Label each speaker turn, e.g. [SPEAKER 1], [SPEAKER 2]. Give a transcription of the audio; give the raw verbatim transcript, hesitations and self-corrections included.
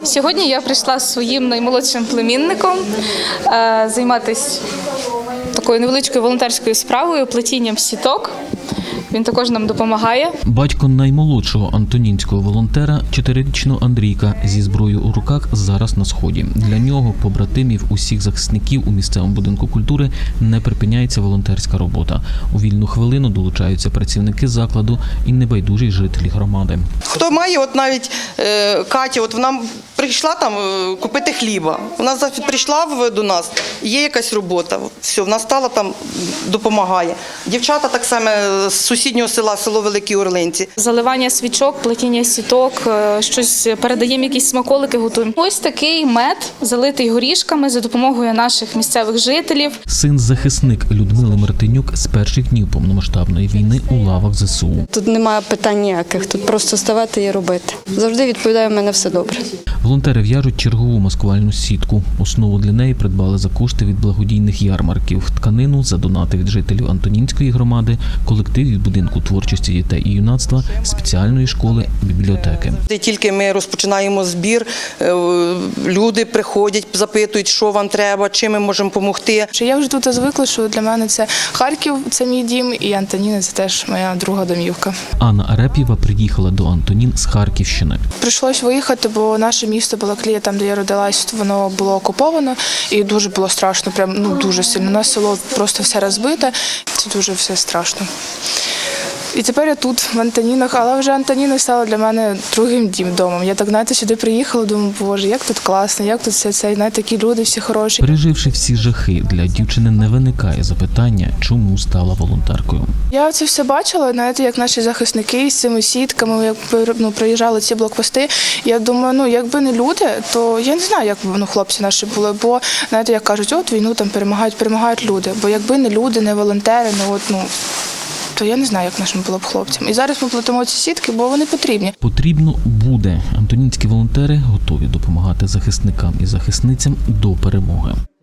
[SPEAKER 1] Сьогодні я прийшла з своїм наймолодшим племінником е, займатися такою невеличкою волонтерською справою, плетінням сіток. Він також нам допомагає.
[SPEAKER 2] Батько наймолодшого антонінського волонтера, чотирирічного Андрійка, зі зброєю у руках зараз на сході. Для нього, побратимів, усіх захисників у місцевому будинку культури не припиняється волонтерська робота. У вільну хвилину долучаються працівники закладу і небайдужі жителі громади.
[SPEAKER 3] Хто має, от навіть е, Катя, от вона прийшла там е, купити хліба. Вона прийшла в, до нас, є якась робота, все, вона стала там, допомагає. Дівчата так само з сусіднього села, село Великі Орлинці.
[SPEAKER 1] Заливання свічок, плетіння сіток, е, щось передаємо, якісь смаколики готуємо. Ось такий мед, залитий горішками за допомогою наших місцевих жителів.
[SPEAKER 2] Син-захисник Людмили Мартинюк з перших днів повномасштабної війни у лавах зе се у.
[SPEAKER 4] Тут немає питань ніяких, тут просто ставати і робити. Завжди відповідає, в мене все добре.
[SPEAKER 2] Волонтери в'яжуть чергову маскувальну сітку. Основу для неї придбали за кошти від благодійних ярмарків. Тканину за донати від жителів Антонінської громади, колектив від будинку творчості дітей і юнацтва, спеціальної школи, бібліотеки.
[SPEAKER 3] Тільки ми розпочинаємо збір, люди приходять, запитують, що вам треба, чим ми можемо допомогти.
[SPEAKER 5] Я вже тут звикла, що для мене це Харків, це мій дім, і Антоніна – це теж моя друга домівка.
[SPEAKER 2] Анна Ареп'єва приїхала до Антонін з Харківщини.
[SPEAKER 5] Прийшлось виїхати, бо наше місто Балаклія, там, де я родилась, воно було окуповано, і дуже було страшно, прям, ну, дуже сильно. У нас село просто все розбите, це дуже все страшно. І тепер я тут, в Антонінах, але вже Антоніни стало для мене другим домом. Я так, знаєте, сюди приїхала, думаю, боже, як тут класно, як тут все це, знаєте, такі люди всі хороші.
[SPEAKER 2] Переживши всі жахи, для дівчини не виникає запитання, чому стала волонтеркою.
[SPEAKER 5] Я це все бачила, знаєте, як наші захисники з цими сітками, як ну, приїжджали ці блокпости. Я думаю, ну, якби не люди, то я не знаю, як ну, хлопці наші були, бо, знаєте, як кажуть, от війну там перемагають, перемагають люди. Бо якби не люди, не волонтери, ну, от, ну, то я не знаю, як нашим було б хлопцям. І зараз ми плетемо ці сітки, бо вони потрібні.
[SPEAKER 2] Потрібно буде. Антонінські волонтери готові допомагати захисникам і захисницям до перемоги.